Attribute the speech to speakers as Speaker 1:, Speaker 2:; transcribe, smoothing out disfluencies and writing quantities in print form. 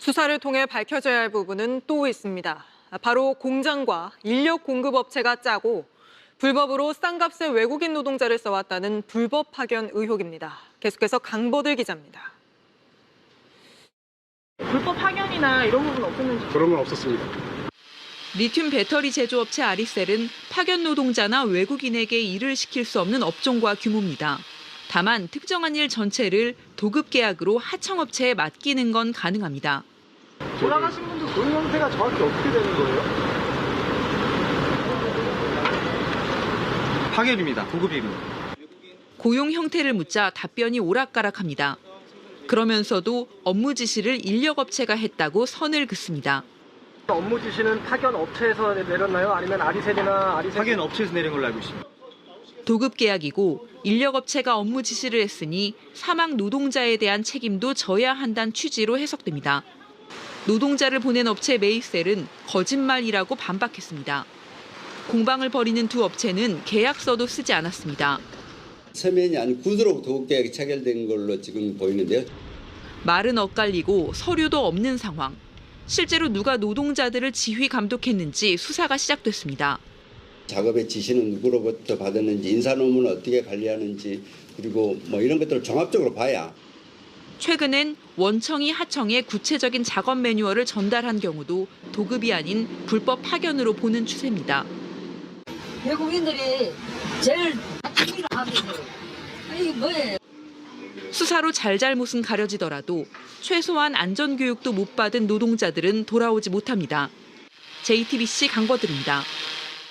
Speaker 1: 수사를 통해 밝혀져야 할 부분은 또 있습니다. 바로 공장과 인력 공급 업체가 짜고 불법으로 싼 값에 외국인 노동자를 써왔다는 불법 파견 의혹입니다. 계속해서 강보들 기자입니다.
Speaker 2: 불법 파견이나 이런 부분 없었는지?
Speaker 3: 그런 건 없었습니다.
Speaker 4: 리튬 배터리 제조업체 아리셀은 파견 노동자나 외국인에게 일을 시킬 수 없는 업종과 규모입니다. 다만 특정한 일 전체를 도급 계약으로 하청업체에 맡기는 건 가능합니다.
Speaker 3: 돌아가신 분들 고용 형태가 정확히 어떻게 되는 거예요?
Speaker 5: 파견입니다. 도급입니다.
Speaker 4: 고용 형태를 묻자 답변이 오락가락합니다. 그러면서도 업무 지시를 인력업체가 했다고 선을 긋습니다.
Speaker 6: 업무 지시는 파견 업체에서 내렸나요? 아니면 아리셀이나
Speaker 5: 파견 업체에서 내린 걸로 알고 있습니다.
Speaker 4: 도급 계약이고 인력업체가 업무 지시를 했으니 사망 노동자에 대한 책임도 져야 한다는 취지로 해석됩니다. 노동자를 보낸 업체 메이셀은 거짓말이라고 반박했습니다. 공방을 벌이는 두 업체는 계약서도 쓰지 않았습니다.
Speaker 7: 서면이 아닌 구두로 도급계약이 체결된 걸로 지금 보이는데요.
Speaker 4: 말은 엇갈리고 서류도 없는 상황. 실제로 누가 노동자들을 지휘 감독했는지 수사가 시작됐습니다.
Speaker 7: 작업의 지시는 누구로부터 받았는지, 인사노무는 어떻게 관리하는지, 그리고 이런 것들을 종합적으로 봐야.
Speaker 4: 최근엔 원청이 하청에 구체적인 작업 매뉴얼을 전달한 경우도 도급이 아닌 불법 파견으로 보는 추세입니다.
Speaker 8: 외국인들이 제일 특기를 하는데 이게 뭐예요?
Speaker 4: 수사로 잘잘못은 가려지더라도 최소한 안전교육도 못 받은 노동자들은 돌아오지 못합니다. JTBC 강버들입니다.